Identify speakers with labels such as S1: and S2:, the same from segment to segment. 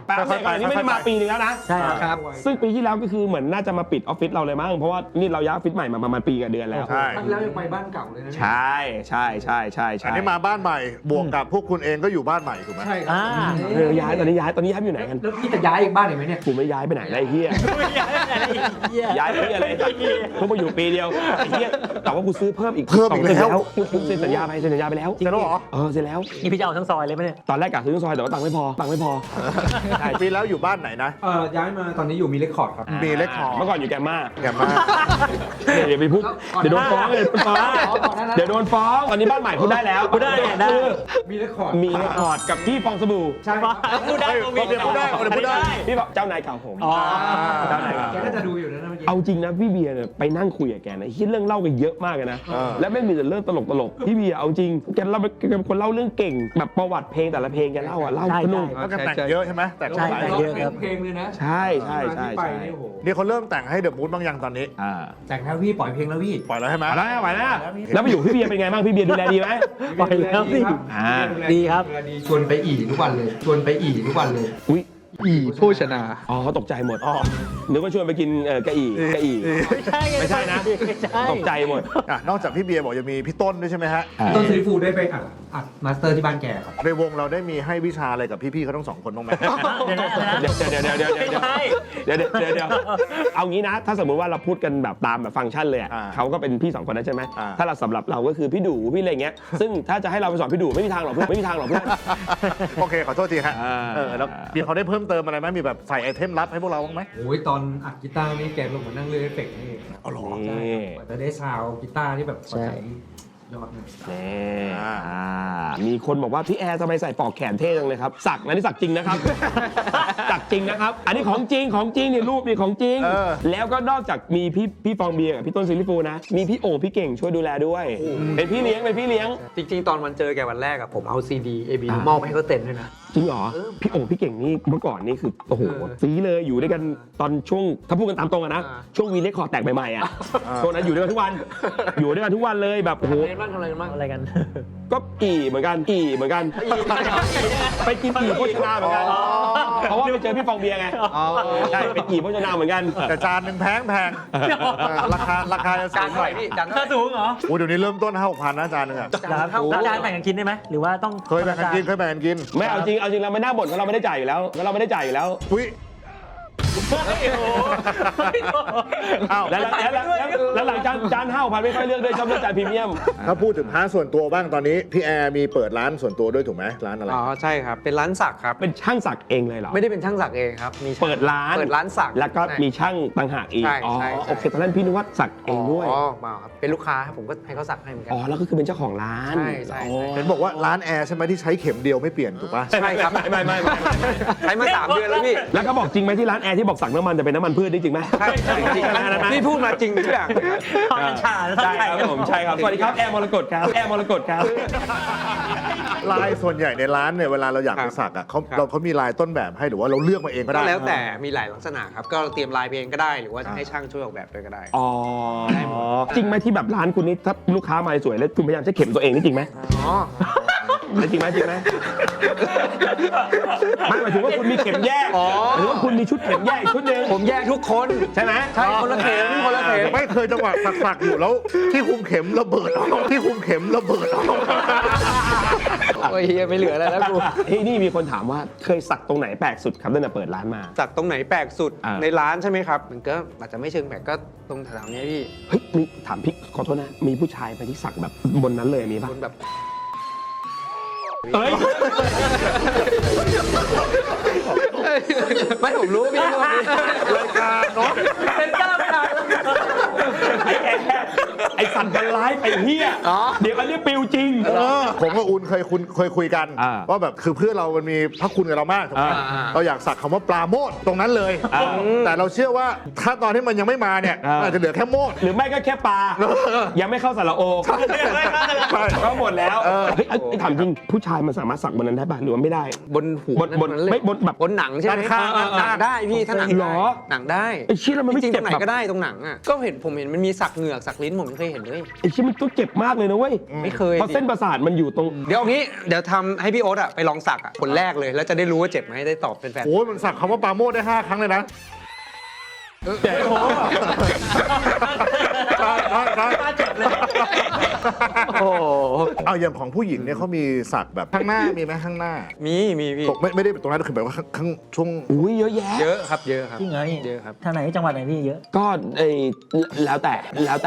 S1: แป๊บนึงอันนี้ไม่ได้มาปีนึงแล้วนะ
S2: ใช่ครับ
S1: ซึ่งปีที่แล้วก็คือเหมือนน่าจะมาปิดออฟฟิศเราเลยมั้งเพราะว่านี่เราย้ายออฟฟิศใหม่มาประมาณปีกับเดือนแล้ว
S3: ใช่
S4: แล้วยังไปบ้านเก่าเลยนะ
S1: ใช่ใช่ใช่ใช่ใช่
S3: อันนี้มาบ้านใหม่บวกกับพวกคุณเองก็อยู่บ้านใหม่ถูกไหม
S4: ใช่ครับ
S1: ย้ายตอนนี้ย้ายอยู่ไหนกัน
S4: แล้วพี่จะย้ายอีกบ้านอีกไหมเนี่ย
S1: กูไม่ย้ายไปไหนเลยไอ้เฮียย้ายไปอะไรเพิ่งมาอยู่ปีเดียวไอ้เฮียแต่ว่ากูซื้อเพิ่มอีกแล้วกูเซ็นสัญญาไปแล้ว
S3: เสร็จแล้วเหรอ
S1: เสร็จแล้ว
S2: นี่พี่จะเอาทั้งซอยเลยไหมเนี่ย
S1: ตอนแรกกะซื้อทั้งซอยแต่ว่าตังค์ไม่พอ
S3: ใช่ปีแล้วอยู่บ้านไหนนะ
S4: ย้ายมาตอนนี้อยู่มีเรคคอร์ดครับ
S3: มีเล็กคอร์
S1: เมื่อก่อนอยู่แกมมา
S3: เ
S1: ดี๋ยวไปพูดเดี๋ยวโดนฟ้องเดี๋ยวโดนฟ้องตอนนี้บ้านใหม่พูดได้แล้ว
S2: พูดได้
S4: มีเรคคอร์ด
S1: กับพี่ฟองสบู่
S4: ใช่
S2: พูดได้
S1: พี่บอกเจ้านายเก่าผมเจ้านายเก่า
S4: แกก็จะดูอยู่นะเมื่อกี้
S1: เอาจริงนะพี่เบียร์เนี่ยไปนั่งคุยกับแกนะคิดเรื่องเล่ากันเยอะมากเลยนะและไม่มีแต่เรื่องตลกพี่เบียร์เอาจริงแกเป็นคนเล่าเรื่องเก่งแบบประวัติเพลงแต่ละเพลงแกเล่าสนุก
S3: แล้วก็แต่งเยอะใช่ไหมแต่งหลาย
S2: เยอะครับ
S4: เพลงเลยนะ
S1: ใช่
S3: นี่เขาเริ่มแต่งให้เดอะมูดบางอย่างตอนนี้
S4: แต่งแล้วพี่ปล่อยเพลงแล้วพี่
S3: ปล่อยแล้วใช่ไหม
S1: ปล่อยแล้วแล้วไปอยู่พี่เบียร์เป็นไงบ้างพี่เบียร์ดูแลดีไหม
S2: ปล่อยแล้วพี่ดีครับ
S4: ชวนไปทุกวันเลย
S1: อุ้ย
S5: โภชนา
S1: เขาตกใจหมดนึกว่าชวนไปกินกะอี่ไม่ใช่นะตกใจหมด
S3: นอกจากพี่เบียร์บอกจะมีพี่ต้นด้วยใช่ไหมฮะ
S4: ต้นซีฟูได้ไปอัดมาสเตอร์ที่บ้านแกครับ
S3: ในวงเราได้มีให้วิชาอะไรกับพี่ๆเขาทั้งสองคนบ้างไหม
S1: เดี๋ยวเอางี้นะถ้าสมมุติว่าเราพูดกันแบบตามแบบฟังก์ชันเลยเขาก็เป็นพี่สองคนนั้นใช่ไหมถ้าเราสำหรับเราก็คือพี่ดูพี่อะไรเงี้ยซึ่งถ้าจะให้เราไปสอนพี่ดูไม่มีทางหรอกเพื่อน
S3: โอเคขอโทษทีฮะแล้วพี่เขาได้เพิ่มเติมอะไรไหมมีแบบใส่ไอเทมลับให้พวกเราบ้างไหม
S4: โอ้ยตอนอัดกีตาร์นี่แกลงมานั่งเล่นเอฟเฟกต์นี่
S3: อ๋อหรอ
S4: จะได้ซาวกีตาร์ที่แบบยอด
S1: มีคนบอกว่าพี่แอร์ทำไมใส่ปลอกแขนเท่จังเลยครับสักนะนี่สักจริงนะครับสักจริงนะครับอันนี้ของจริงนี่รูปนี่ของจริงแล้วก็นอกจากมีพี่ฟองเบียร์กับพี่ต้นซิลิฟูนะมีพี่โอ่งพี่เก่งช่วยดูแลด้วยเป็นพี่เลี้ยง
S5: จริงๆตอนวันเจอแกวันแรกอะผมเอาซีดีAB มอบให้เขาเต็มด้วยนะ
S1: จริงเหรอพี่โอ่งพี่เก่งนี่เมื่อก่อนนี่คือโอ้โหซีเลยอยู่ด้วยกันตอนช่วงถ้าพูดกันตามตรงอะนะช่วงวีเรคคอร์ดแตกใหม่ๆอะช่วงนั้นอยู่ด้วยกันทุกวันเลยแบบโอ้โห
S2: อะไรกัน
S1: ก็เหมือนกันไปกินโภชนาเหมือนกันเพราะว่าไปเจอพี่ฟองเบียร์ไงใช่ไปโภชนาเหมือนกัน
S3: แต่จานนึงแพงราคา
S5: จานเท่าไหร่พี่จาน
S2: สูงเหรอ
S3: โอ้เดี๋ยวนี้เริ่มต้น 5-6,000 นะจานนึงอ่ะ
S2: จานแบ่งกันกินได้ไหมหรือว่าต้อง
S3: เคยแบ่งกันกิน
S1: ไม่เอาจริงเราไม่น่าบ่นเพราะเราไม่ได้จ่ายอยู่แล้ว
S3: อุ้ย
S1: แล้วหลังจาน5,000ไม่ค่อยเลือกด้วยชอบเลือกจานพรีเมียม
S3: ถ้าพูดถึงพาร์ทส่วนตัวบ้างตอนนี้พี่แอร์มีเปิดร้านส่วนตัวด้วยถูกไหมร้านอะไร
S5: ใช่ครับเป็นร้านสักครับ
S1: เป็นช่างสักเองเลยเหรอ
S5: ไม่ได้เป็นช่างสักเองครับมี
S1: เปิดร้าน
S5: สัก
S1: แล้วก็มีช่างต่างหากอีกโอเคตอนนั้นพี่นึกว่าสักเองด้วย
S5: มาครับเป็นลูกค้าผมก็ให้เขาสักให้เหมือนกัน
S1: แล้วก็คือเป็นเจ้าของร้าน
S5: ใช่
S3: เห็นบอกว่าร้านแอร์ใช่ไหมที่ใช้เข็มเดียวไม่เปลี่ยนถูกป่ะ
S5: ใช่ครับไม่ใช้มา3 เดือนแล้วพี่
S1: แล้วก็บอกจริงไหมที่ร้านแอร์ที่บอกสักน้ำมันจะเป็นน้ำมันพืชได้จริงไหม
S5: พี่พูดมาจริงทุกอย่าง
S1: ใช่ครับผมใช่ครับสวัสดีครับแอร์มรกตครับ
S3: ลายส่วนใหญ่ในร้านเนี่ยเวลาเราอยากไปสักอ่ะเขามีลายต้นแบบให้หรือว่าเราเลือกมาเองก็ได้
S5: แล้วแต่มีหลายลักษณะครับก็เตรียมลายเองก็ได้หรือว่าจะให้ช่างช่วยออกแบบด้วยก็ได้
S1: จริงไหมที่แบบร้านคุณนี่ถ้าลูกค้ามาสวยแล้วคุณพยายามจะเข็มตัวเองนี่จริงไหมจริงไหมไม่หมายถึงว่าคุณมีเข็มแยกหรือว่าคุณมีชุดเข็มแยกชุดนึง
S5: ผมแยกทุกคน
S1: ใช่ไหม
S5: ใช่คนละเข็ม
S3: ไม่เคยจังหวะสักอยู่แล้วที่คุมเข็มระเบิด
S5: โอ้ยไม่เหลืออะไรแล้วกู
S1: นี่มีคนถามว่าเคยสักตรงไหนแปลกสุดครับตั้งแต่เปิดร้านมา
S5: สักตรงไหนแปลกสุดในร้านใช่ไหมครับมันก็อาจจะไม่เชิงแปลกก็ตรงแถวๆนี้พี่
S1: เฮ้ยมีถามพี่ขอโทษนะมีผู้ชายไปที่สักแบบบนนั้นเลยมีป่ะ
S5: แบบไม่ผมรู้พี่
S3: รายการเนาะ
S2: เป็นกล้ามขา
S1: ไอ้สันกันร้ายไปเฮียเดี๋ยวอันนี้ปิวจริง
S3: ผมกับอุ่นเคยคุยกันว่าแบบคือเพื่อนเรามันมีพระคุณกับเรามากถูกไหมเราอยากสักคำว่าปลาโมดตรงนั้นเลยแต่เราเชื่อว่าถ้าตอนที่มันยังไม่มาเนี่ยอาจจะเหลือแค่โมด
S1: หรือไม่ก็แค่ปลายังไม่เข้าสระโอก็หมดแล้วถามจริงผู้ชายมันสามารถสักบนนั้นได้ป่ะหรือว่าไม่ได้
S5: บนหู
S1: ไม่บนแบบ
S5: บนหนังใช่ไหมได้พี่ถ้าหนังได้หนังได้
S1: ไอ้ชี้แล้วมันไม่
S5: จริงตรงไหนก็ได้ตรงหนังอ่ะก็ผมเห็นมันมีสักเหงือกสักลิ้นผมเคยยเห็นเลย
S1: ไอ้ชิ้นมันก็เจ็บมากเลยนะเว้ย
S5: ไม่เคย
S1: เพราะเส้นประสาทมันอยู่ตรง
S5: เดี๋ยวเอางี้เดี๋ยวทำให้พี่โอ๊ตอะไปลองสักอะคนแรกเลยแล้วจะได้รู้ว่าเจ็บไหมได้ตอบเป็นแฟน
S3: โอ้ยมันสักคำว่าปราโมทได้ 5 ครั้งเลยนะใช่ใช่
S5: โอ้
S3: เอาอย่างของผู้หญิงเนี่ยเขามีสักแบบข้างหน้ามีไหมข้างหน้า
S5: มีพี่
S3: ตกไม่ได้ตรงนั้นคือแบบว่าข้างช่วง
S1: อุ้ยเยอะแยะ
S5: เยอะครับเยอะครับ
S2: จริงเหรอพี่
S5: เยอะครับ
S2: ทางไหนจังหวัดไหนพี่เยอะ
S1: ก็แล้วแต่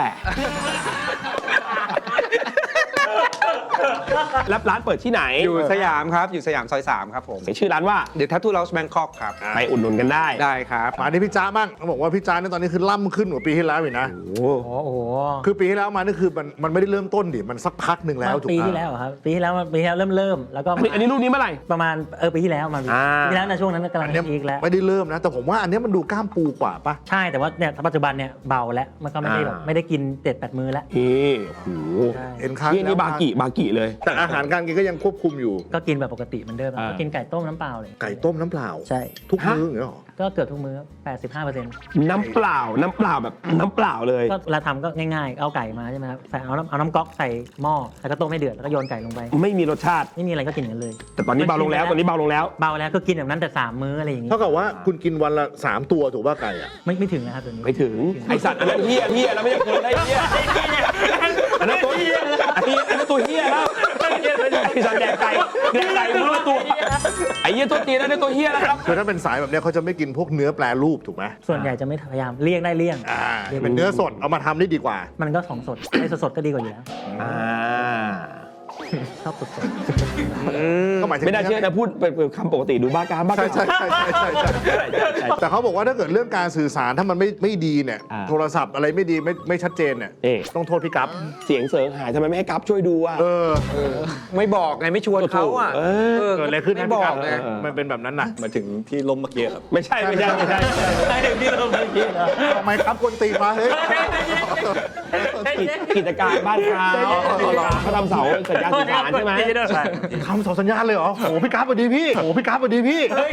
S1: แล้วร้านเปิดที่ไหน
S5: อยู่สยามครับอยู่สยามซอย 3 ครับผม
S1: ชื่อร้านว่า
S5: เดี๋ยวทัตทูเลาส์แบงคอกครับ
S1: ไปอุดหนุนกันได้
S5: ได้ครับ
S3: มาที่พี่จ้าบ้างเขาบอกว่าพี่จ้าเนี่ยตอนนี้คือล่ำขึ้นกว่าปีที่แล้วอีกนะ
S1: โอ้
S2: โอ้โห
S3: คือปีที่แล้วมานี่คือมันไม่ได้เริ่มต้นดิมันสักพักหนึ่งแล้วถูก
S2: ปี
S3: ปะ
S2: ที่แล้วเหรอครับปีที่แล้วเริ่มแล้วก็
S1: อันนี้รูปนี้เมื่อไหร่
S2: ประมาณปีที่แล้วมา
S1: อ่า
S2: ปีที่แล้วในะช่วงนั้นกำลัง
S3: อันเนี้ย
S2: พีคแล้ว
S3: ไม่ได้เริ่มนะ แต่ผมว่าอันเนี้ยมันดูกล้ามปูกว่าปะ
S2: ใช่แต่ว่าเนี่ยปัจจุบันเนี่ยเบาแล้วมันก็ไม่ได้แบบไม่ได้กิน7-8 มื้อแล้ว
S1: นี่โอ้โห
S2: ใช่
S3: เอ็นค้าง
S1: นี่บากิเลย
S3: แต่อาหารการกินก็ยังควบคุมอยู่
S2: ก็กินแบบปกติเหมือนเดิม
S1: อ่า
S2: ก็กินไก่ต้มน้ำเปล่าเลย
S3: ไก่ต้มน้ำเปล่า
S2: ใช่
S3: ทุกมื้ออย่างเงี้ยหรอ
S2: ก็เกือบทุกมื้อ85%
S1: น้ำเปล่าแบบน้ำเปล่าเลย
S2: ก็เวลาทำก็ง่ายๆ เอาไก่มาใช่ไหมครับใส่เอาน้ำก๊อกใส่หม้อแล้วก็ต้มให้เดือดแล้วก็โยนไก่ลงไป
S1: ไม่มีรสชาติ
S2: ไม่มีอะไรก็กินกันเลย
S1: แต่ตอนนี้เบาลงแล้ว
S2: เบาแล้วก็กินแบบนั้นแต่3 มื้ออะไรอย่างงี้
S3: เท่ากับว่าคุณกินวันละ 3 ตัวถูกป่ะไก่อะ
S2: ไม่ถึงนะครับตัวนี้
S1: ไม่ถึงไอสัตว์อันนั้นเฮียแล้วไม่ใช่คนได้เฮียอันนั้นตัวเฮียอันนั้นตัวเฮียแล้วไอสัตว์แดกไก่มือตัวไอเฮียตัวตีนั่นตัวเฮียแล้วครับ
S3: คือถ้าเป็นสายแบบเนี้ยเขาจะไม่กินพวกเนื้อแปรรูปถูกไหม
S2: ส่วนใหญ่จะไม่พยายามเลี่ยงได้เลี่ยง
S3: เป็นเนื้อสดเอามาทำได้ดีกว่า
S2: มันก็ของสดไอ้สดๆก็ดีกว่าอยู่แล้ว
S1: อ่า
S2: ชอบสด
S3: ก็หมายถึง
S1: ไม่น่าเชื่อนะพูดเป็นคำปกติดูบ้ากาม
S3: ใช่ใช่แต่เขาบอกว่าถ้าเกิดเรื่องการสื่อสารถ้ามันไม่ดีเนี่ยโทรศัพท์อะไรไม่ดีไม่ชัดเจนเนี่ยต้องโทษพี่กั๊บ
S1: เสียงเสริงหายทำไมไม่ให้กัฟช่วยดูอ่ะ
S5: ไม่บอกไงไม่ชวนเขาอ่ะ
S3: เกิดอะไรขึ้น
S5: ไม่
S3: ให้
S5: บ
S3: พี่
S5: อ
S3: กั๊
S5: ก
S3: บ
S5: ไง
S3: มันเป็นแบบนั้นน่ะ
S6: มาถึงที่ล้มเมื่อกี้ครับ
S1: ไม่ใช่
S2: ๆใช่ที่เราไม่คิดนะ
S3: ทำไมครับคนตีมาเฮ้ย
S1: กิจการบ้านเขาทำเสาสัญญาณสื่อสารใช่ไหม
S3: คำสอนสัญญาณเลยเหรอโอ้พี่กั๊บสวัสดีพี่โอ้พี่กั๊บสวัสดีพี่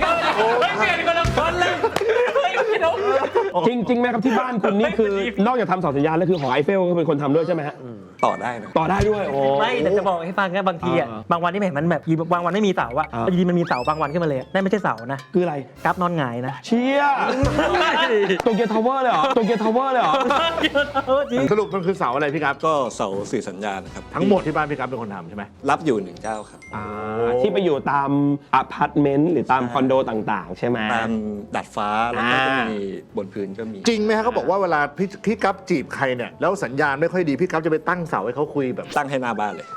S1: จริงไหมครับที่บ้านคุณนี่คือนอกจากทำเสาสัญญาณแล้วคือหอไอเฟลก็เป็นคนทำด้วยใช่ไหมฮะ
S6: ต่อได้นะ
S1: ต่อได้ด้วยโอ้
S2: ไม่แต่จะบอกให้ฟังแค่บางทีอ่ะบางวันที่เห็นมันแบบบางวันไม่มีเสาอ่ะอยู่ดีมันมีเสาบางวันขึ้นมาเลยนั่นไม่ใช่เสานะ
S1: คืออะไร
S2: กราฟนอนหงายนะ
S1: เชียโตเกียวทาวเวอร์เลยเหรอโตเกียวทาวเวอร์เลยเหรอ
S2: จริง
S3: สรุปมันคือเสาอะไรพี่กั๊บ
S6: ก็เสาสื่อสัญญาณนะครับ
S3: ทั้งหมดที่บ้านพี่กั๊บเป็นคนทำใช่ไหม
S6: รับอยู่หนึ่งเจ้าครับ
S1: ที่ไปอยู่ตามอพาร์ตเมนต์หรือตามคอนโดต่างๆ ใช่ไหม
S6: ตามดัดฟ้าแล้วก็จะมีบนพื้นก็มี
S3: จริงไหมฮะเขาบอกว่าเวลาพี่กั๊บจีบใครเนี่ยแล้วสัญญาณไม่ค่อยดีพี่กั๊บจะไปตั้งเสาให้เขาคุยแบบ
S6: ตั้งให้หน้าบ้านเลย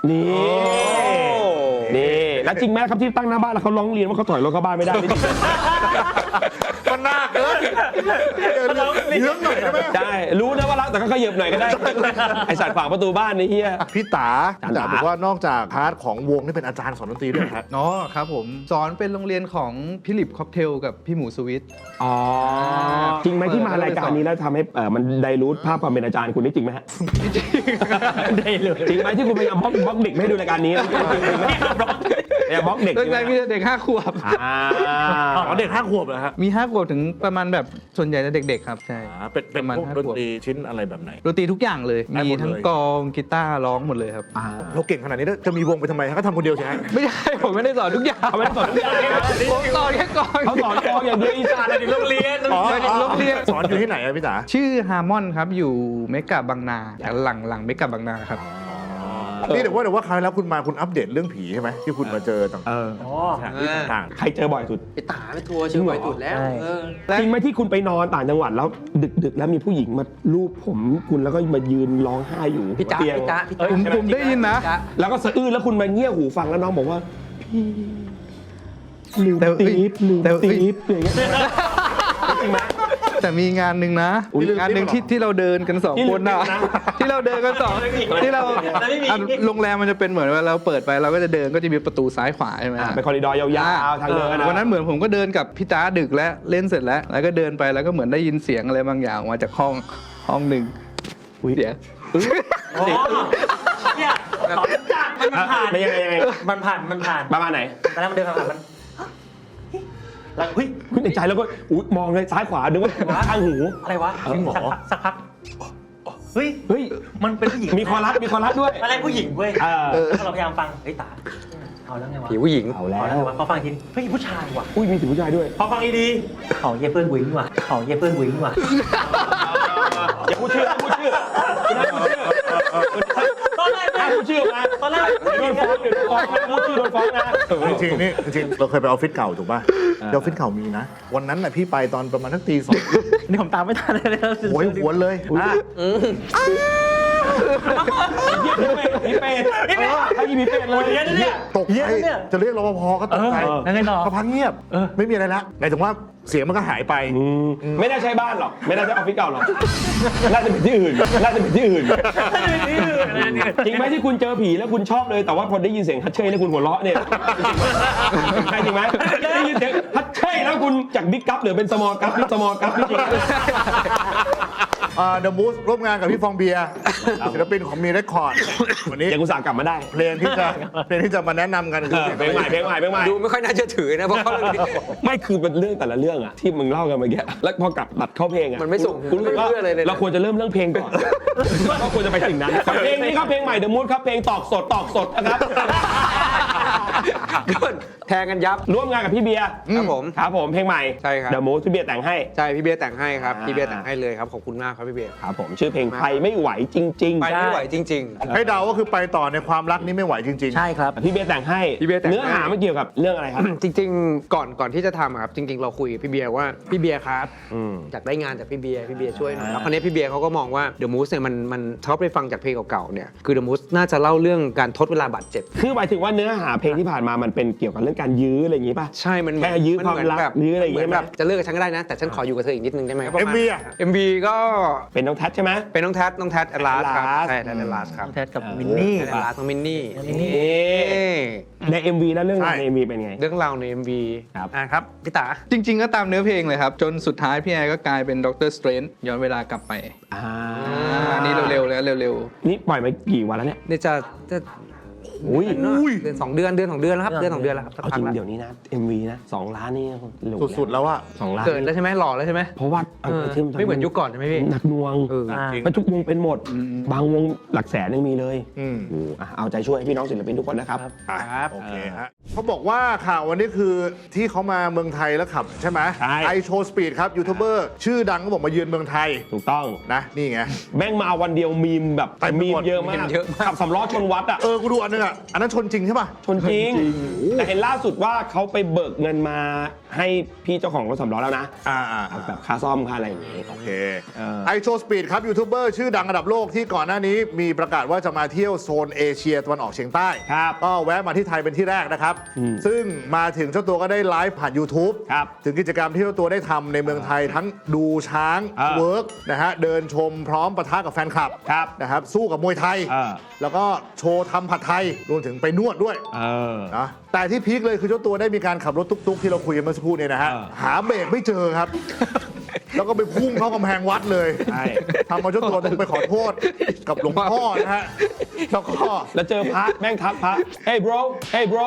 S1: นี่แล้วจริงไหมครับที่ตั้งหน้าบ้านแล้วเขาร้องเรียนว่าเขาถอยรถเข้าบ้านไม่ได้นี่จริง
S3: มันน่าเกินเรื่องหน่อยได้ไหม
S1: ใช่รู้นะว่ารักแต่ก็ขยับหน่อยก็ได้ไอสัตว์ฝากประตูบ้านนี่เฮีย
S3: พี่ตาบอกว่านอกจากพาร์ทของวงนี่เป็นอาจารย์สอนดนตรีด้วยครับ
S7: อ๋อครับผมสอนเป็นโรงเรียนของพี่หลิบค็อกเทลกับพี่หมูสวิต
S1: อ๋อจริงไหมที่มารายการนี้แล้วทำให้มันไดรูทภาพความเป็นอาจารย์คุณนี่จริงไหมฮะ
S2: ได้เลย
S1: จริงไหมที่คุณพยายามบล็อกเด็กไม่ให้ดูรายการนี้จริงไหมอย่าบล็อกเด็ก
S7: ตั้งใจมีเด็ก5 ขวบ
S3: อ๋อเด็ก5 ขวบเหรอฮะ
S7: มี5 ขวบถึงประมาณแบบส่วนใหญ่จะเด็กๆครับใช่
S3: เป็น
S7: ประมาณ
S3: พวก
S7: 5
S3: ดนตรีชิ้นอะไรแบบไหน
S7: ดนตรีทุกอย่างเลย
S3: ได้หมดเลย
S7: มีทั้งกลองกีตาร์ร้องหมดเลยครับ
S3: เราเก่งขนาดนี้แล้วจะมีวงไปทำไมฮะก็ทำคนเดียวใช่ไหม
S7: ไม่ใช่ ผมไม่ได้สอนทุกอย่าง
S1: เขาไม่ได้สอนทุกอย่าง
S7: ผมสอนแค่กลอง
S1: เขาสอนกองอย่างเดียวอีสานในโรงเรียน
S3: อ๋อ
S7: โรงเรียน
S3: สอนอยู่ที่ไหนอะพี่ตา
S7: ชื่อฮาร์มอนครับอยู่เมกะบางนาหลังเมกะบางนาครับ
S3: นี่เดี๋ยวว่าคราวแล้วคุณมาคุณอัปเดตเรื่องผีใช่ไหมที่คุณมาเจอต่าง
S1: เออ
S3: ๆที่ต่าง
S1: ใครเจอบ่อยสุด
S5: ไปตาไปทัวร์เชียงใหม่ตุดแล้ว
S2: ใช่
S1: จริงไหมที่คุณไปนอนต่างจังหวัดแล้วดึกๆ แล้วมีผู้หญิงมาลูบผมคุณแล้วก็มายืนร้องไห้อยู่
S5: พี่จ๊ะ
S1: เตียง
S5: พี่จ๊ะพี่
S7: ผมได้ยินนะ
S5: จ๊ะ
S1: แล้วก็สะอื้นแล้วคุณมาเงี่ยหูฟังแล้วน้องบอกว่าพี่ลืม
S7: แต่
S1: ตีบลืม
S7: แต่
S1: ตีบอย่างเงี้ยจริงไหม
S7: แต่มีงานหนึ่งนะ
S1: อุ๊ย
S7: งานหนึ่งที่เราเดินกัน2 คนนะ ที่เราเดินกันที่เราโรงแรมมันจะเป็นเหมือนว่าเราเปิดไปเราก็จะเดินก็จะมีประตูซ้ายขวาใช่ไหม
S1: เป็นคอริดอร์ยาวๆทางเดินนะ
S7: วันนั้นเหมือนผมก็เดินกับพี่ตาดึกแล้วเล่นเสร็จแล้วก็เดินไปแล้วก็เหมือนได้ยินเสียงอะไรบางอย่างออกมาจากห้องหนึ่งเสียง
S2: เนี่ยมันผ่าน
S1: ไม่ยังไง
S2: มันผ่าน
S1: ประมาณไหน
S2: ตอนแรกมันเดินผ่านมันแล้วเฮ้ย
S1: คุณในใจแล้วก็อุ๊ยมองเลยซ้ายขวาดูว่าข้างหู
S2: อะไรวะ
S1: จริงเหรอ
S2: สักพักเฮ้ย
S1: เฮ้ย
S2: มันเป็นผู้หญิง
S1: มีคอรัสด้วย
S2: อะไรผู้หญิงเว้ย
S1: เออ
S2: เราพยายามฟังเฮ้ยตาเอาแล้วไงวะ
S5: ผีผู้หญิง
S1: เอาแล้
S2: เอาแล้วไง
S1: ว
S2: วะพอฟังอีกทีเฮ้ยผู้ชายว่ะ
S1: อุ้ยมีถึงผู้ชายด้วย
S2: พอฟังดีๆเขาเย่เพื่อนวิ้งว่ะเขาเย่เพื่อนวิ้งว่ะ
S1: อย่าพูดชื่อพูดชื่อ
S2: ตอนแรก
S1: พูดชื่อมา
S2: ตอนแรก
S1: โดนฟ้องนะพูดชื่อโดนฟ้องนะ
S3: จริงๆนี่จริงๆเราเคยไปออฟฟิศเก่าถูกป่ะออฟฟิศเก่ามีนะ วันนั้นน่ะพี่ไปตอนประมาณทักตี 2
S2: นี่ผมตามไม่ทันเลย
S3: โอ้ยหวนเลย
S1: ผีเป็ดถ้ามีผีเป็ดเลย
S2: เนี่ย
S3: ตกใจจะเรียกรปภก็ตกใจ
S2: แล้วไงต่อ
S3: ก็พักเงียบไม่มีอะไรละหมายถึงว่าเสียงมันก็หายไป
S1: ไม่น่าใช่บ้านหรอกไม่น่าใช่ออฟฟิศเก่าหรอกน่าจะเป็นที่อื่นจริงไหมที่คุณเจอผีแล้วคุณชอบเลยแต่ว่าพอได้ยินเสียงฮัทเช่แล้วคุณหัวเราะเนี่ยใช่จริงไหมได้ยินเสียงฮัทเช่แล้วคุณจากบิ๊กกัปหรือเป็นสมอลกัปสมอลกัปจริง
S3: เดอะมูสร่วมงานกับพี่ฟองเบียร์ศิลปินของมีเรคคอร์ดวันนี้
S1: ยังอุตส่าห์กลับมาได้
S3: เพลงที่จะมาแนะนำกันคือ
S1: เพลงใหม่
S5: ดูไม่ค่อยน่าเชื่อถือนะเพราะเขาเรื่องนี้
S1: ไม่คือเป็นเรื่องแต่ละเรื่องอะที่มึงเล่ากันเมื่อกี้แล้วพอกลับตัดเข้าเพลงอะ
S5: มันไม่ส่ง
S1: คุณรู้สึกว่า
S5: ไม่เชื่อเลยนะ
S1: เราควรจะเริ่มเรื่องเพลงก่อนก็ควรจะไปสิ่งนั้นเพลงนี้ครับเพลงใหม่ The Mood ครับเพลงตอกสดนะครับ
S5: แทงกันยับ
S1: ร่วมงานกับพี่เบียร์
S5: ครับผม
S1: ครับผมเพลงใหม่
S5: ใช่ครับ
S1: The Mood พี่เบียร์แต่งให้
S5: ใช่พี่เบียร์แต่งให้ครับพี่เบียร์แต่งให้เลยครับขอบคุณมากครับพี่เบียร์
S1: ครับผมชื่อเพลงไปไม่ไหวจริง
S5: ไปไม่ไหวจริง
S3: ให้เดาก็คือไปต่อในความรักนี้ไม่ไหวจริง
S2: ใช่ครับ
S1: ๆพี่เบียร์แต่งให้
S5: พี่เบียร์แต่งให้
S1: เนื้อหามันเกี่ยวกับเรื่องอะไรครับ
S5: ๆ จริง ๆ ก่อนที่จะทำอะครับจริง ๆ เราคุยกับพี่เบียร์ว่าพี่เบียร์ครับอยากได้งานจากพี่เบียร์ช่วยหน่อยแล้วคราวนี้พี่เบียร์เขาก็มองว่า The Moose เนี่ยมันเขาไปฟังจากเพลงเก่าๆเนี่ยคือ The Moose น่าจะเล่าเรื่องการทดเวลาบาดเจ็บ
S1: คือหมายถึงว่าเนื้อหาเพลงที่ผ่านมามันเป็นเกี่ยวกับเรื่องการยื้ออะไรอย่างงี้ป่ะ
S5: ใช่มัน
S1: แค่ยื้อความรักยื้ออะไรอย่างเงี้ย
S5: เหมืนแบบจะเลิกกับฉันก็ได้นะแต่ฉันขออยู่กับเธออีกนิดนึงได้ไหม
S3: MV อ่ะ
S5: MV ก็
S1: เป็นน้องแท็ชใช่ไหม
S5: เป็นน้องแทแอลลาสครับ
S1: Atlas
S5: ใช่แทแอลลาสครับ
S2: แทสกับมินนี่
S5: แทแอลลาสน้องมินนี่
S1: ใน MV แล้วเรื่องราว
S3: ใช่
S1: ใน MV เป็นไง
S5: เรื่องราวใน MV
S1: ครับ
S5: ครับพี่ตา
S7: จริง ๆ ก็ตามเนื้อเพลงเลยครับ จนสุดท้ายพี่แอร์ก็กลายเป็นด็อกเตอร์สเตรนจ์ย้อนเวลากลับไปอันนี้เร็วๆแล้วเร็ว
S1: นี่ปล่อยมากี่วันแล้วเนี่ย
S5: เนี่ยจะ
S1: อุ้ย
S5: เดือน2 เดือนแล้วครับเดือน 2 เดือนแล้วครับสัก
S1: เอา
S5: พั
S1: จ
S5: ก
S1: ริง
S5: แล้ว
S1: เดี๋ยวนี้นะ MV นะ2 ล้านนี่หลุ
S3: สุดๆแล้วอะ
S1: 2 ล้าน
S5: เกินแล้วใช่ไหมหล่อแล้วใช่ไหม
S1: เพราะว่าอัลกอริทึม
S5: ไม่เหมือนยุคก่อนใช่ไหมพี่
S1: หนักหน่วง
S3: จริง
S1: มันทุกวงเป็นหมด บางวงหลักแสนยังมีเลย
S3: อืม
S1: โอ้อ่ะเอาใจช่วยพี่น้องศิลปินทุกคนนะครับ
S5: ครับ
S3: โอเคฮะเขาบอกว่าข่าววันนี้คือที่เขามาเมืองไทยแล้วขับใช่ไหม
S1: ใช่
S3: ไอโชว์สปีดครับยูทูบเบอร์ชื่อดังก็บอกมาเยือนเมืองไทย
S1: ถูกต้อง
S3: นะนี่ไง
S1: แม่งมาวันเดียวมีมแบบ
S3: เต็มไป
S1: มี
S3: หม
S1: ม
S3: ด
S1: เยอะมาก
S5: เยอะมาก
S1: ขับสำล้อชนวัดอ่ะ
S3: กูดูอันนึงอ่ะอันนั้นชนจริงใช่ป่ะ
S1: ชนจริง แต่เห็นล่าสุดว่าเขาไปเบิกเงินมาให้พี่เจ้าของรถสำล้อแล้วนะ แบบค่าซ่อมค่าอะไรอย่างงี้
S3: โอเค
S1: เออ
S3: ไอโชว์สปีดครับยูทูบเบอร์ชื่อดังระดับโลกที่ก่อนหน้านี้มีประกาศว่าจะมาเที่ยวโซนเอเชียตะวันออกเฉียงใต้
S1: ครับ
S3: ก็แวะมาที่ไทยเป็นที่แรกนะครับ ซึ่งมาถึงเจ้าตัวก็ได้ไลฟ์ผ่าน YouTube
S1: ครับ
S3: ถึงกิจกรรมที่เจ้าตัวได้ทำในเมืองไทยทั้งดูช้าง เวิร์กนะฮะเดินชมพร้อมปะทะกับแฟนคลับ
S1: ครับ
S3: นะครับสู้กับมวยไทย แล้วก็โชว์ทำผัดไทยรวมถึงไปนวดด้วยนะแต่ที่พีคเลยคือเจ้าตัวได้มีการขับรถตุ๊กๆที่เราคุยกันเมื่อสักครู่เนี่ยนะฮะหาเบรกไม่เจอครับ แล้วก็ไปพุ่งเข้ากำแพงวัดเลย
S1: ใช่
S3: ทำเอาเจ้าตัวต้องไปขอโทษกับหลวงพ่อนะฮะแล้วก็
S1: แล้วเจอพระแม่งทักพระ hey bro hey bro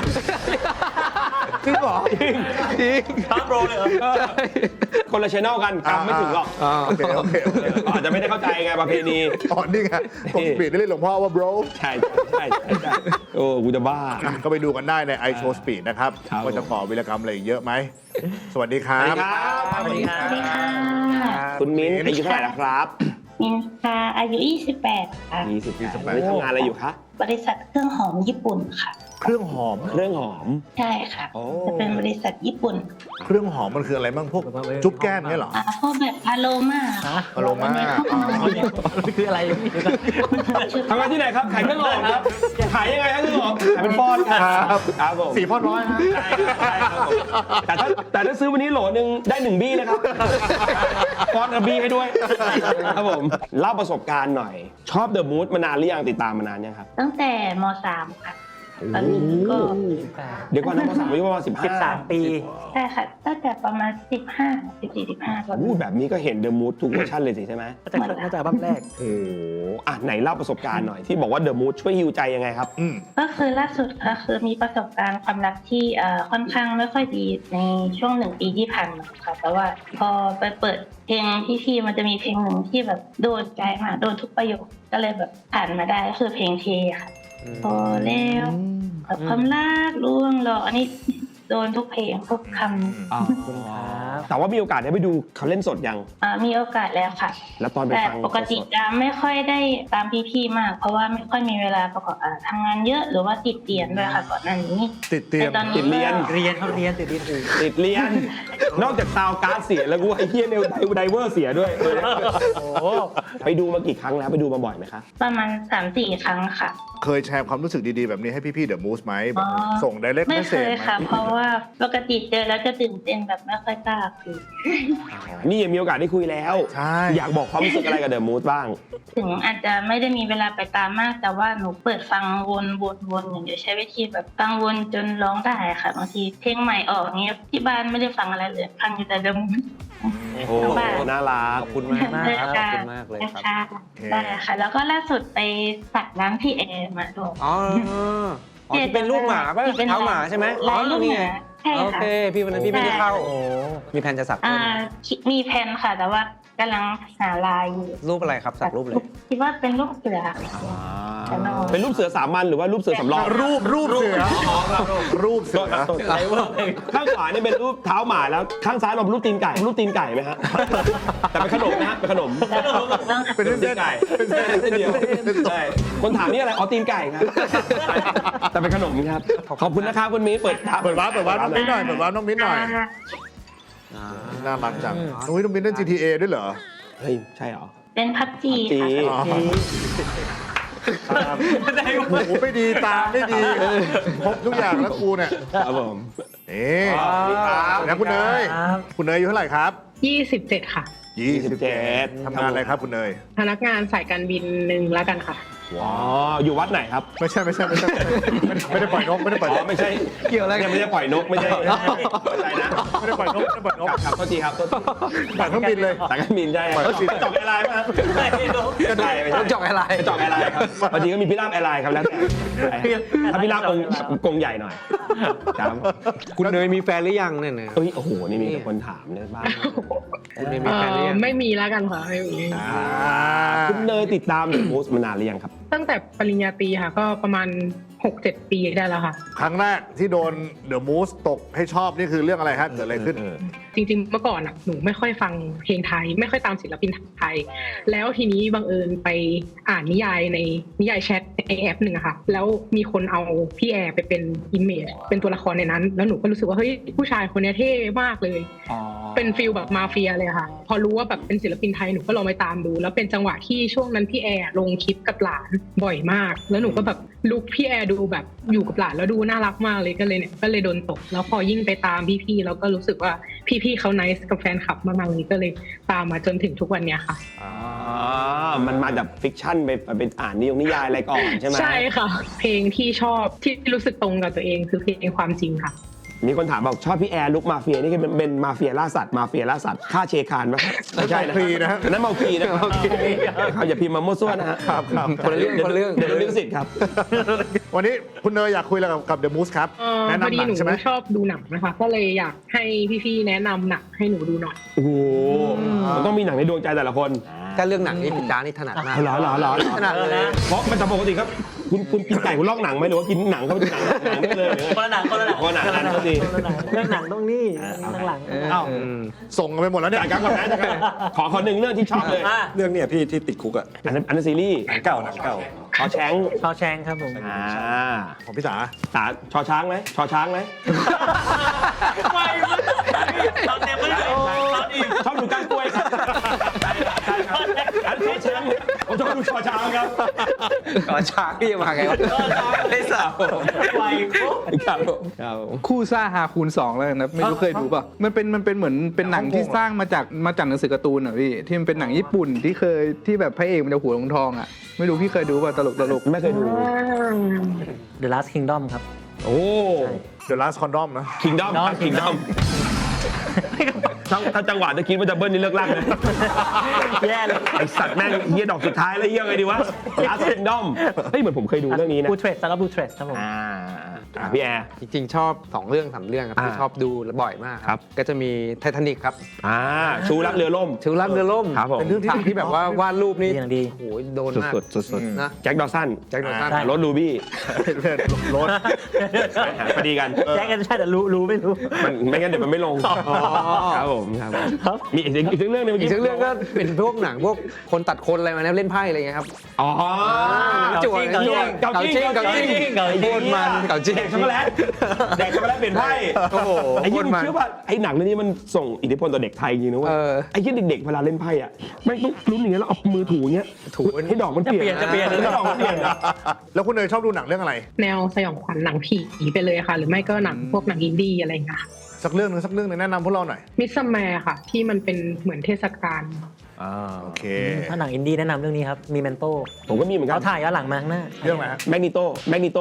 S3: จริงเหรอ
S1: จริงทักโบรเลยเหรอคนละชแนลกันจำไม่ถึงหรอก
S3: โอเค
S1: อาจจะไม่ได้เข้าใจไงประเพณี
S3: อ๋อนี่ไงผมสปีดได้เรียกหลวงพ่อว่า bro
S1: ใช่โอ้กูจะบ้า
S3: ก็ไปดูกันได้ใน i Show Speed นะครับ
S1: ครับ
S3: ว่าจะก่อวีรกรรมอะไรอีกเยอะไหม สวัสดีครั
S1: สวัส
S3: บ
S1: ดีครับ
S2: สวัสดีครับ
S8: สวัสดีค่ะ
S1: คุณมิ้นอายุเท่าไหร่นะครับ
S8: มินค่ะอายุ 28 ค่ะ
S1: 28ทำงานอะไรอยู่คะ
S8: บริษัทเครื่องหอมญี่ปุ่นค่ะ
S3: เครื่องหอม
S1: เครื่องหอม
S8: ใช่ค่ะ
S1: โอ้
S8: จะเป็นบริษัทญี่ปุ่น
S3: เครื่องหอมมันคืออะไรบ้างพวกจุ๊บแก้มเนี่ยเหรอ
S8: พวกแบบพาโลมา
S3: อโรมา
S2: นี่คืออะไร
S1: ทำงานที่ไหนครับ ขายเครื่องหอมครับ ขายยังไงครับเครื่องหอม ขายเป็นปอนด์ครับครับผม
S3: 4 พ่อน้อยฮะ
S1: ใช่ครับผมแต่ถ้าซื้อวันนี้โหลนึงได้1บี้นะครับปอนด์กับบี้ให้ด้วยครับผม เล่าประสบการณ์หน่อย ชอบ The Mood มานานหรือยังติดตามมานานยังครับ
S8: ตั้งแต่ม .3 ค่ะตอนนี้ก็
S1: เดี๋ยวก่อนนะภาษาอายุประมาณ
S2: 13 ปี
S8: ใช่ค่ะตั้งแต่ประมาณ14-15ประมาณ
S1: แบบนี้ก็เห็น The Mood ทุกเวอร์ชันเลยสิใช่ไหม
S2: น่าจะอัลบั้มแรก
S1: โอ้โหอ่ะไหนเล่าประสบการณ์หน่อยที่บอกว่า The Mood ช่วยฮีลใจยังไงครับ
S8: ก็คือล่าสุดค่ะคือมีประสบการณ์ความรักที่ค่อนข้างไม่ค่อยดีในช่วง1 ปีที่ผ่านมาค่ะแต่ว่าพอไปเปิดเพลงพี่ๆมันจะมีเพลงหนึ่งที่แบบโดนใจมากโดนทุกประโยคก็เลยแบบผ่านมาได้ก็คือเพลงเทค่ะพอแล้วกับความรักล่วงหรออันนี้โดนทุกเพลงทุกคำ
S1: แต่ว่ามีโอกาสได้ไปดูเขาเล่นสดยัง
S8: มีโอกาสแล้วค่ะ
S1: แล้วตอนไป
S8: แต่
S1: ฟัง
S8: ปกติจะไม่ค่อยได้ตามพี่ๆมาก เพราะว่าไม่ค่อยมีเวลาประกอบทำงานเยอะหรือว่าติดเรียนด้วยค่ะก่อนหน้านี้
S3: ติดเตียง
S8: แต่ตอน
S1: ติ
S8: นี้
S1: ดเรียน
S2: เรียนเขาเรียนติดเรียนอื่น
S1: ติดเรียน นอกจากซาวการ์ดเสียแล้วกูไอ้เฮียเนวไดเวอร์เสียด้วย
S2: โอ้
S1: ไปดูมากี่ครั้งแล้วไปดูมาบ่อยไหมคะ
S8: ประมาณ 3-4 ครั้งค่ะ
S3: เคยแชร์ความรู้สึกดีๆแบบนี้ให้พี่ๆ The Moose ไหมแบบส่ง direct
S8: ไม่เค
S3: message
S8: ย
S3: ไหม
S8: ค่ะ เพราะว่าปกติเจอแล้วจะตื่นเต้นแบบไม่ค่อยกล้าคุย
S1: นี่ยังมีโอกาสได้คุยแล้ว
S3: ใช่
S1: อยากบอกความรู้สึกอะไรกับ The Mood บ้าง
S8: ถึงอาจจะไม่ได้มีเวลาไปตามมาก แต่ว่าหนูเปิดฟังวนอย่างเดียวใช้วิธีแบบฟังวนจนร้องได้ค่ะบางทีเพลงใหม่ออกเนี้ยที่บ้านไม่ได้ฟังอะไรเลยฟังอยู่แต่เดิม
S1: โอ้น่ารัก
S5: ขอบคุณมากมากครับขอบคุณมากเลยครับ
S8: ได้ค่ะ แล้วก็ล่าสุดไปสักน้ำพี่แอร์มาด้วย
S5: อ๋อที่เป็นลูกหมาป่ะเท้าหมาใช่ไหม
S8: ลายลูกห
S5: นี่
S8: มา
S5: ไง
S8: ใช่
S5: โอ
S8: ค่ะ
S5: เคพี่วันนั้นพี่ไม่ได้เข้า
S2: โห
S5: มีแผนจะสัก
S8: มีแผนค่ะ แต่ว่ากำลังหาลายอยู่
S5: รูปอะไรครับสักรูปเลย
S8: คิดว่าเป็นรูปเสือแต่นอน
S1: เป็นรูปเสือสามัญหรือว่ารูปเสือสำรอง
S3: รูปเสือรูปเสือ
S1: ข้างขวานี่เป็นรูปเท้าหมาแล้วข้างซ้ายเราเป็นรูปตีนไก่ไหมฮะ แต่เป็นขนมนะฮะเป็นขนม
S3: เป็นเส้น
S1: ไก่เป็นเส้นเดียวใช่คนถามนี่อะไรอ๋อตีนไก่ครับ แต่เป็นขนมครับขอบคุณนะครับคุณมิ้นเปิด
S3: เปิดวาร์ปน้องมิ้นหน่อยน่ารักจังน้องมิ้นเล่น GTA ด้วยเหรอ
S1: เฮ้ยใช่เหรอ
S8: เป็นพับจี
S1: จี
S8: ค่ะ
S3: โอ้โหไม่ดีตาไม่ดีพบทุกอย่างแล้วกูเนี่ย
S1: ครับผม
S3: นี่แล้วคุณเนยอายุเท่าไหร่ครับ
S9: 27 ค่ะ
S1: 27
S3: ทำงานอะไรครับคุณเนย
S9: พนักงานสายการบินหนึ่งแล้วกันค่ะ
S1: อ๋ออยู่วัดไหนครับ
S3: ไม่ใช่ไม่ได้ปล่อยนกไม่ได้ปล่อย
S1: อ๋
S3: น
S1: อก ไม่ใช่เกี่ยวอะไรกันไม่ได้ปล่อยนกไม่ใช่นะ
S3: ไม่ได้ปล่อยนก
S1: ครับโทษทีครับโทษที
S3: ปล่อยเครื่องบินเลย
S1: สายการบินใช่ครับจอกแอร์ไลน์ป่ะก็ได้ไม่ใช่
S5: จอกอะไร
S1: จอกแอร์ไลน์ครับบางทีก็มีพี่ลาบแอร์ไลน์ครับแล้วแต่ถ้าพี่ลาบกงใหญ่หน่อยครับ
S5: คุณเนยมีแฟนหรือยังเนี่ยนะ
S1: เอ้ยโอ้โหนี่มีคนถามเนี่ยบ้าง
S5: คุณเนยมีแฟนหรือยัง
S9: ไม่มีแล้วกันค่ะไม่มี
S1: คุณเนยติดตามเดอะโพสต์มานานหรือยังครับ
S9: ตั้งแต่ปริญญาตรีค่ะ ก็ประมาณ 6-7 ปีได้แล้วค่ะ
S3: ครั้งแรกที่โดน The Moose ตกให้ชอบนี่คือเรื่องอะไรฮะเกิดอะไรขึ้น
S9: จริงๆ เมื่อก่อนอ่ะหนูไม่ค่อยฟังเพลงไทย ไม่ค่อยตามศิลปินไทย แล้วทีนี้บังเอิญไปอ่านนิยายในนิยายแชทในแอปหนึ่งอะค่ะ แล้วมีคนเอาพี่แอร์ไปเป็นอิมเมจเป็นตัวละครในนั้น แล้วหนูก็รู้สึกว่าเฮ้ยผู้ชายคนนี้เท่มากเลย เป็นฟิลแบบมาเฟียเลยค่ะ พอรู้ว่าแบบเป็นศิลปินไทยหนูก็ลองไปตามดู แล้วเป็นจังหวะที่ช่วงนั้นพี่แอร์ลงคลิปกับหลานบ่อยมาก แล้วหนูก็แบบลุคพี่แอร์ดูแบบอยู่กับหลานแล้วดูน่ารักมากเลยก็เลยโดนตกแล้วพอยิ่งไปตามพี่ๆแล้วก็รู้สึกว่าพี่ๆเขาไนซ์กับแฟนคลับมากๆเลยก็เลยตามมาจนถึงทุกวันเนี้ยค่ะ
S1: มันมาจากฟิกชั่นไปเป็นอ่านนิยายอะไรก่อนใช่ไหม
S9: ใช่ค่ะ เพลงที่ชอบที่รู้สึกตรงกับตัวเองคือเพลงความจริงค่ะ
S1: มีคนถามบอกชอบพี่แอร์ลุกมาเฟียนี่คือเป็นมาเฟียล่าสัตว์ฆ่าเชคานไหมไม่ใช่นะ
S3: เมาคลีนะฮะ
S1: นั่นเมาคลีนะครับอย่าพิมพ์มามั่วซั่วนะฮะ
S3: ครับ
S5: คนละเรื่อง
S1: เดี๋ยวลิขสิทธิ์ครับ
S3: วันนี้คุณเนยอยากคุยอะไรกับ The Moose ครับแนะ
S9: พอดี
S3: นำหนั
S9: หนู
S3: งใช่ไหม
S9: ชอบดูหนังนะคะ ก็เลยอยากให้พี่ๆแนะนำหนังให้หนูดูหน่อย
S1: โอ้โหมันต้องมีหนังในดวงใจแต่ละคน
S5: ถ้าเรื่องหนังนี่พี่จ้านี่ถนัดมาก
S1: เหรอ
S5: ถนัดเลย
S1: เพราะมันจะปกติครับคุณกินไก่คุณลอกหนังไหมหรือว่ากินหนังเข้าไปดูหนังได้เลย
S2: คนละหนัง
S1: คนละหนังก็ดี
S2: เรื่องหนังต้องนี่ข้างหลัง
S1: เอ้า
S3: ส่งกันไปหมดแล้วเนี่ย
S1: จากกันก่อนนะจากกันขอหนึ่งเรื่องที่ชอบเลย
S6: เรื่องเนี่ยพี่ที่ติดคุกอ่ะ
S1: อันนั้นซีรีส์
S6: หนังเก่า
S1: ชอแชง
S2: ชอแชงครับผม
S3: ของพี่สา
S1: ชอช้างไหมชอช้างไหม
S2: ไม่ตอนเต็มไม่ได้ตอนอีก
S1: ชอบดูก้านกล้วยครับใช่ครับอันชอช้างผมชอบลูกชอช้างครับ
S5: ก่อนช้างที่จะมาไงวะได้สาว
S2: ไว
S1: ครับผม
S7: คู่ซ่าฮาคูณ 2 แล้วนะไม่รู้เคยดูป่ะมันเป็นเหมือนเป็นหนังที่สร้างมาจากหนังสือการ์ตูนอ่ะพี่ที่มันเป็นหนังญี่ปุ่นที่แบบพระเอกมันจะหัวทองอ่ะไม่รู้พี่เคยดูป่ะตลก
S1: ไม่เคยดู
S2: The Last Kingdom ครับ
S1: โอ้
S3: The Last Condom นะ
S1: คิงดอมครับคิงดอมถ้าจังหวะจะคิดว่าจะเบิ้ลนี่เลิกลากเลย
S2: แย่เลย
S1: ไอสัตว์แม่งเฮียดอกสุดท้ายแล้วเฮียไงดีวะ Last Kingdom เฮ้ยเหมือนผมเคยดูเรื่องนี้นะ
S2: บูเทรสแล้วก็บูเทรสครับผม
S1: พี่แอร์
S5: จริงๆ ชอบ 2 เรื่อง 3 เรื่องครับที่ชอบดูบ่อยมาก
S1: ครับ
S5: ก็จะมีไททานิกครับ
S1: ชูรักเรือล่ม
S5: ถึงรักเรือล่ม
S1: ครับผม
S5: เป็นเรื่องที่แบบว่าวาดรูปนี่
S2: อย่างดี
S5: โอ้โหโดนมาก
S1: สุด
S5: นะ
S1: แจ็คดอสัน
S5: แจ็คดอสัน
S1: รถลูบี้
S3: รถ
S1: พอดีกัน
S2: แจ็คกันใช่แต่รู้ไม่รู้
S1: มันไม่งั้นเดี๋ยวมันไม่ลงครับผมครับผม
S2: ครับ
S1: มีอีกเรื่องหนึง
S5: อีกสักเรื่องก็เป็นพวกหนังพวกคนตัดคนอะไรมานะเล่นไพ่อะไรเงี้ยครับ
S1: อ๋อ
S5: จั่ว
S2: เก่าจริง
S5: เก่าจริงเก่าจริง
S2: เก่าจริง
S5: โคตรมันเก่าจริง
S1: แดกช็อกโกแลตแดกช็อกโกแลตเปลี่ยนไพ่
S5: โอ้โห
S1: ไอ้
S5: โค
S1: ยี่
S5: ตร
S1: มึง
S5: มัน
S1: เชื่อว่าไอ้หนังเรื่องนี้มันส่งอิทธิพลต่อเด็กไทยจริงนะเว้ย
S5: เออ
S1: ไอ้ยี่เด็กๆเวลาเล่นไพ่อะแม่งต้องลุ้นอย่างเงี้ยแล้วเอามือถูอย่างเงี้ยถูให้ดอกมันเปลี่ยน
S2: จะเปลี่ยน
S1: ให้ดอกมันเปลี่ยนอะ
S3: แล้วคุณเนยชอบดูหนังเรื่องอะไร
S9: แนวสยองขวัญหนังผีไปเลยค่ะ หรือไม่ก็หนังพวกหนังอินดี้อะไรอย่างเงี้ยค่ะ
S3: สักเรื่องหนึงแนะนำพวกเราหน่อย
S9: มิสซัมแมร์ค่ะ ที่มันเป็นเหมือนเทศกาล
S3: โอเค
S2: ถ้าหนังอินดี้แนะนำเรื่องนี้ครับ มีเมนโต้
S1: ผมก็มีเหมือนกั
S2: เขา
S1: น
S2: ถ่ายย้อนหลังมาข้างหน้า
S3: เรื่องอะไรฮะ
S1: แมกนิโต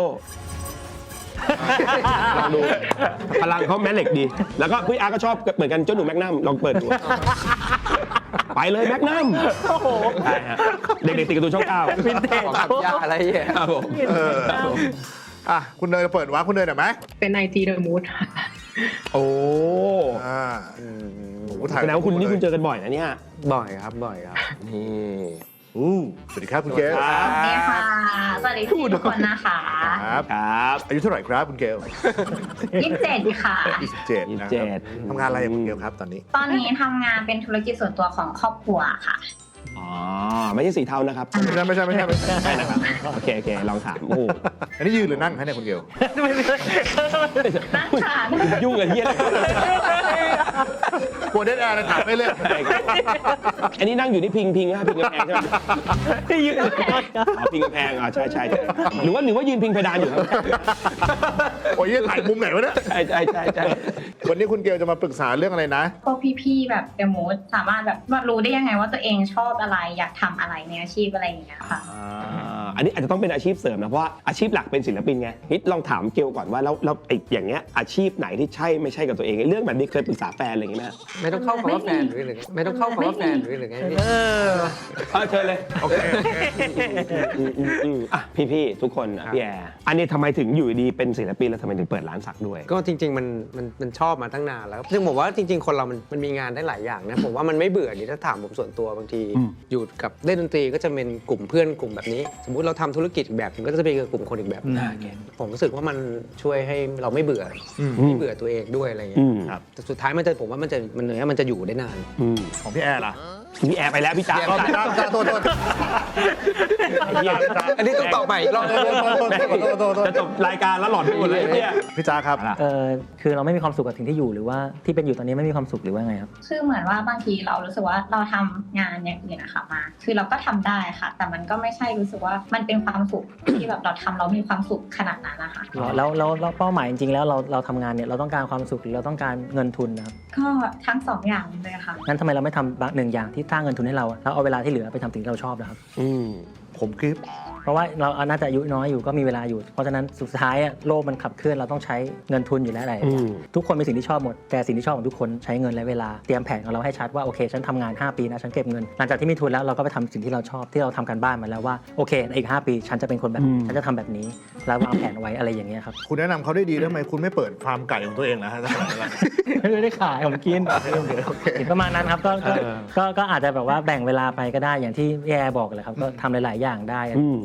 S1: ลองดูพลังเขาแม่เหล็กดี แล้วก็พี่อาร์ก็ชอบเหมือนกันเจ้าหนูแมกนัมลองเปิดดูไปเลยแมกนัมใช่ฮะเด็กๆติดการ์ตูนช่อง 9
S2: วินเทจ
S5: ตัดยาอะไรเงี้ย
S1: ครับผม
S3: อ่ะคุณเนยเปิดวะคุณเนยหน่อยไหม
S9: เป็นไอจีเดอะมูด
S1: โอ้
S3: อ่าโอ้โหถ่าย
S1: แสดงว่าคุณนี่คุณเจอกันบ่อยนะเนี่ย
S5: บ่อยครับบ่อยครับ
S1: นี่
S3: สวัสดีครับคุณเกล
S1: ค
S8: ส
S1: รับ
S8: วัสดีค่ะ สวัสดีทุกคนนะคะ
S3: ครับ
S1: ครับ
S3: อายุเท่าไหร่ครับคุณเกล
S8: 27ค่ะ
S3: 27นะครับทำงานอะไรคุณเกลครับตอนนี้
S8: ตอนนี้ทำงานเป็นธุรกิจส่วนตัวของครอบครัวค่ะ
S1: อ๋อไม่ใช่สีเทานะครับ
S3: ไม่ใช่
S1: ใช่นะครับโอเคลองถามโอ้โห
S3: อันนี้ยืนหรือนั่งคะเนี่ยคุณเกล
S8: นั่งค่ะ
S1: ยุ่งกับเฮียอะไร
S3: กลัวเดดแอร์เลยถามไม่เล่น
S1: อันนี้นั่งอยู่ที่พิงกำแพงใช่ไหม
S2: ยืน
S1: อ๋อพิงกำแพงใช่หรือว่ายืนพิงเพดานอยู่ครับ
S3: โอ้ยถ่ายมุมไหนวะเนี่ย
S1: ใช่
S3: วันนี้คุณเกลจะมาปรึกษาเรื่องอะไรนะ
S8: พวกพี่ๆแบบเดอะมูดสามารถแบบว่ารู้ได้ยังไงว่าตัวเองชอบอะไรอยากทำอะไรในอาชีพอะไรอย่างเงี้ยค่ะ
S1: อันนี้อาจจะต้องเป็นอาชีพเสริมนะเพราะว่าอาชีพหลักเป็นศิลปินไงนิดลองถามเกลก่อนว่าแล้วไอ้อย่างเงี้ยอาชีพไหนที่ใช่ไม่ใช่กับตัวเองไอ้เรื่องแบบนี้เคยปรึกษาแฟนอะไรอย่างเงี้ยไหม
S5: ไม่ต้องเข้าคำว่าแฟนหรือไม่ต้องเข้าคำว่าแฟนหรือไงพี่
S1: เชิญเลยโอเคอ่ะพี่ๆทุกคนอ่ะพี่แอร์อันนี้ทำไมถึงอยู่ดีเป็นศิลปินแล้วทำไมถึงเปิดร้านสักด้วย
S5: ก็จริงๆมันชอบมาตั้งนานแล้วซึ่งผมว่าจริงๆ คนเรามันมีงานได้หลายอย่างนะผมว่ามันไม่เบื่อนี่ถ้าถามผมส่วนตัวบางที อยู่กับเล่นดนตรีก็จะเป็นกลุ่มเพื่อนกลุ่มแบบนี้ สมมุติเราทำธุรกิจอีกแบบนึงก็จะเป็นกลุ่มคนอีกแบบนึงผมรู้สึกว่ามันช่วยให้เราไม่เบื่อไม่เบื่อตัวเองด้วยอะไรอย่างเงี้ยแต่สุดท้ายผมว่ามันจะอยู่ได้นาน
S3: ของพี่แอร์ล่ะ
S1: พี่แอร์ไปแล้วพี่จ๊า
S3: โทษ
S5: อันนี้ต้องตอบใหม่อีกรอบนึง
S1: จะจบรายการแล้วหลอดไปหมดเลยเนี่ย
S3: พี่จ้าครับ
S2: คือเราไม่มีความสุขกับสิ่งที่อยู่หรือว่าที่เป็นอยู่ตอนนี้ไม่มีความสุขหรือว่าไงครับ
S8: คือเหมือนว่าบางทีเรารู้สึกว่าเราทำงานอย่างอื่นนะคะมา คือเราก็ทำได้ค่ะ แต่มันก็ไม่ใช่รู้สึกว่ามันเป็นความสุขที่แบบเราทำเรามีความสุขขนาดนั้นนะคะ
S2: แล้วเป้าหมายจริงๆแล้วเราทำงานเนี่ยเราต้องการความสุขหรือเราต้องการเงินทุนนะครับ
S8: ก็ทั้งสองอย่างเลยค่ะ
S2: งั้นทำไมเราไม่ทำหนึ่งอย่างที่สร้างเงินทุนให้เราแล้วเอาเวลาที่เหลือไปทำสิ่งที่เราชอบนะครับ
S3: ผมคลิป
S2: เพราะว่าเราน่าจะอายุน้อยอยู่ก็มีเวลาอยู่ เพราะฉะนั้นสุดท้ายโลกมันขับเคลื่อนเราต้องใช้เงินทุนอยู่แล้วอะไรทุกคนมีสิ่งที่ชอบหมดแต่สิ่งที่ชอบของทุกคนใช้เงินและเวลาเตรียมแผนของเราให้ชัดว่าโอเคฉันทำงาน5 ปีนะฉันเก็บเงินหลังจากที่มีทุนแล้วเราก็ไปทำสิ่งที่เราชอบที่เราทำกันบ้านมาแล้วว่าโอเคอีก5 ปีฉันจะเป็นคนแบบนี้ฉันจะทำแบบนี้แล้ววางแผนไว้อะไรอย่างเงี้ยครับ
S3: คุณแนะนำเขาได้ดีทำไมคุณไม่เปิดฟาร์มไก่ของตัวเองนะฮะ
S2: ไม่ได้ขายผมกินประมาณนั้นครับก็อาจจะแบบว่าแบ่งเวลาไปก็ได้อย่างที่แย่บอกเลยครับก็ทำหลายๆอย่างได้อะไรอย่างเงี้ยครับ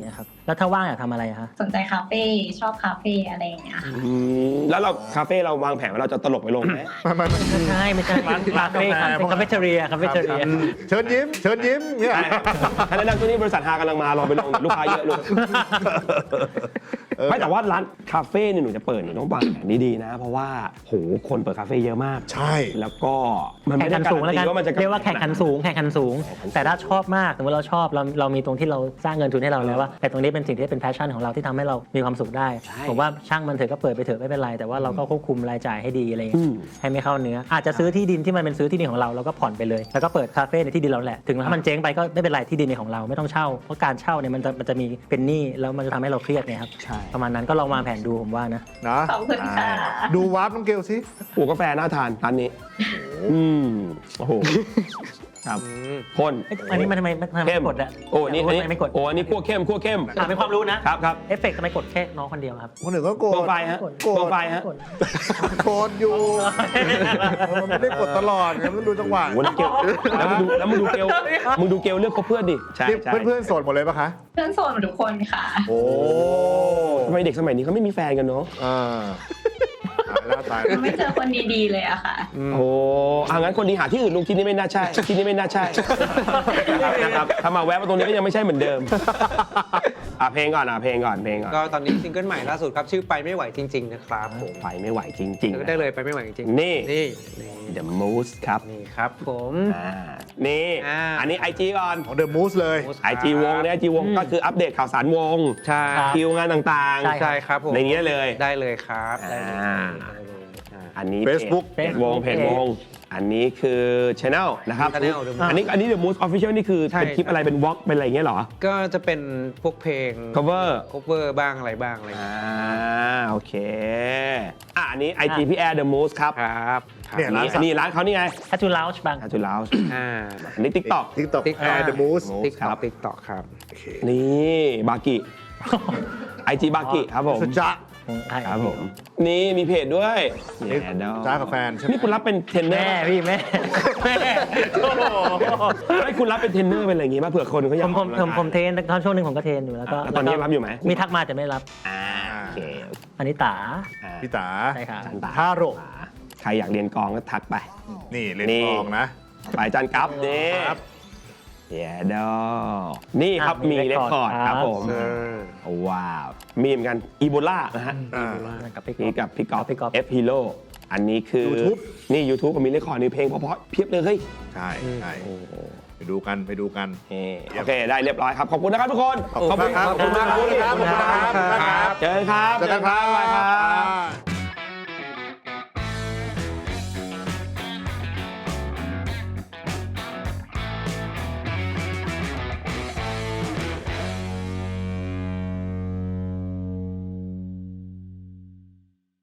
S2: แล้วถ้าว่างอยากทำอะไรอะคะ
S8: สนใจคาเฟ่ชอบคาเฟ่อะไรอย่างเงี้ยค่ะ
S1: แล้วเราคาเฟ่เราวางแผนว่าเราจะตลกไปลงไหม
S2: ไม่ใช่คาเฟ่คาเฟ่เทเรียคาเฟ่เทเรีย
S3: เชิญยิ้มเนี่ย
S1: ถ้าแนะนำตัวนี้บริษัทฮากำลังมาลองไปลงลูกค้าเยอะลูกไม่แต่ว่าร้านคาเฟ่เนี่ยหนูจะเปิดหนูต้องวางแผนดีๆนะ เพราะว่าโหคนเปิดคาเฟ่เยอะมาก
S3: ใช่
S1: แล้วก็มัน
S2: แข่
S1: ไม่
S2: ง
S1: ได้
S2: ขัน
S1: การั
S2: สูง
S1: น
S2: แล้ว
S1: ตี
S2: กัน
S1: ว่ามันจะ
S2: เรียกว่าแข่งขันสูงแต่ถ้าชอบมากสมมติเราชอบเรามีตรงที่เราสร้างเงินทุนให้เราแล้วว่าแต่ตรงนี้เป็นสิ่งที่เป็นแพชชั่นของเราที่ทำให้เรามีความสุขได้ผมว่าช่างมันเถอะก็เปิดไปเถอะไม่เป็นไรแต่ว่าเราก็ควบคุมรายจ่ายให้ดีอะไรอย่างเงี้ยให้ไม่เข้าเนื้ออาจจะซื้อที่ดินที่มันเป็นซื้อที่ดินของเราแล้วก็ผ่อนไปเลยแล้วก็เปิดคาเฟ่ในที่ดินเราแหละถึงถ้ามันเจ๊งไปก็ไม่เป็นไรที่ดินในของเราไม่ต้องเช่าเพราะการเช่าเนี่ยมันจะมีเป็นหนี้แล้วมันจะทำให้เราเครียดเนี่ยครับประมาณนั้นก็ลองวางแผนดูผมว่านะ
S3: นะ
S8: ขอบคุณค่ะ
S3: ดูวาร์ปน้องเกลสิ
S1: โอ้กาแฟน่าทานร้านนี้โอ้โหครับพ่น
S2: อันนี้มันทำไม
S1: เข้ม
S2: กดอะ
S1: โอ้นี่
S2: ไม่กด
S1: โอ้อันนี้คั่วเข้ม
S2: เป็นความรู้นะครับ
S1: ครับ
S2: เอฟเฟกต์ทำไมกดแค่น้องคนเดียวครับ
S3: คนอื่นก็โกร
S1: โปร
S3: ธ
S1: ไฟล์ฮะ
S2: กด
S1: โปรไฟล์ฮะ
S2: กด
S3: โกรธอยู่มันไม่ได้กดตลอดไงมันต้องดูจังหวะ
S1: โอ้แล้วเกลแล้วมึงดูเกลเลือกคบเพื่อนดิใช่
S3: นี่
S1: ใช่
S3: เพื่อนๆโสดหมดเลยปะคะ
S8: เพื่อนโสดหมดทุกคนค่ะ
S3: โอ้
S1: ทำไมเด็กสมัยนี้เขาไม่มีแฟนกันเนาะ
S3: ตาย
S8: ไม่เจอคนดีๆเลยอะค่ะ
S1: โอ้งั้นคนดีหาที่อื่นลุงที่นี่ไม่น่าใช่ที่นี่ไม่น่าใช่นะครับถ้ามาแวะมาตรงนี้ก็ยังไม่ใช่เหมือนเดิมเพลงก่อนเพลงก่อน
S5: ก็ตอนนี้ซิงเกิลใหม่ล่าสุดครับชื่อไปไม่ไหวจริงๆนะครับผม
S1: ไปไม่ไหวจริง
S5: ก็ได้เลยไปไม่ไหวจริง
S1: นี่
S5: นี่
S1: The Moose ครับ
S5: นี่ครับผม
S1: นี่อันนี้ IG ก่อน
S3: ของเดอะมูสเลย
S1: IG วงเนี่ย IG วงก็คืออัปเดตข่าวสารวง
S5: ใช่
S1: คิวงานต่าง
S5: ใช่ครับผม
S1: ในนี้เลย
S5: ได้เลยครับได้เลย
S1: อันนี้
S3: Facebook
S1: เพจวงอันนี้คือ Channel นะครับ
S5: Channel
S1: อันนี้ The Moose Official นี่คือ
S5: ใช่
S1: เป็นคลิปอะไรเป็นวอล์กเป็นอะไรอย่างเงี้ยเหรอ
S5: ก็จะเป็นพวกเพลง
S1: cover
S5: cover บ้างอะไรบ้างอะไรอย่างเงี้ย
S1: โอเคอันนี้ IG พี่แอร์ The Moose ครับ
S5: ครับ
S3: เนี่ย
S1: อันนี้ร้านเขานี่ไง
S2: ถ้าจูลาวช์บาง
S1: อาจูลาว
S5: อ่า
S1: อันนี้ TikTok
S3: ทิกตอกแอร์เดอะมูส
S5: ติ๊กต็อกติ๊กต็อกครับ
S1: นี่บากิ IG บากิครับผม
S3: สุดจ้า
S1: ครับผม นี่มีเพจด้วย
S3: นี่จ้ากับแฟนใช่ไหม
S1: นี่คุณรับเป็นเทรนเนอ
S2: แม่
S1: ร์
S2: พี่แม่โอ้โห
S1: ไม่คุณรับเป็นเทรนเนอร์เป็นอะไรอย่างงี้ป่ะเผื่อคนเขาอยาก
S2: ผมเทรนตอนช่วงหนึ่งผมก็เทรนอยู่แล้วก็
S1: ตอนนี้รับอยู่ไหม
S2: มีทักมาแต่ไม่รับ
S1: โอเค
S2: อันนี้ตา
S3: พี่ตา
S2: ใช่ครับ
S1: จันตา
S3: ท่าโร
S1: ใครอยากเรียนกลองก็ทักไป
S3: นี่เล่นกลองนะ
S1: ไปจันกับนี่
S3: ครับ
S1: เย้ดอนี่ครับมีเรคคอร์ดครับผม ว้าว มีเหมือนกันอีโบลานะฮะ
S2: กับพี่
S1: นี่กับพี่กอล์ฟ
S2: พี่ก๊อฟ
S1: F Hero อันนี้คือ
S3: YouTube
S1: นี่ YouTube ก็มีเรคคอร์ดในเพลงเพราะๆเพียบเลยเฮ้ย
S3: ใช่ไปดูกัน
S1: โอเค ได้เรียบร้อยครับ ขอบคุณนะครับทุกคน
S3: ขอบคุณครับ
S1: ขอบคุณมาก
S3: ขอบคุณครับ
S1: เจอกันครับ
S3: เจอกันครับ
S1: บ๊ายบายครับ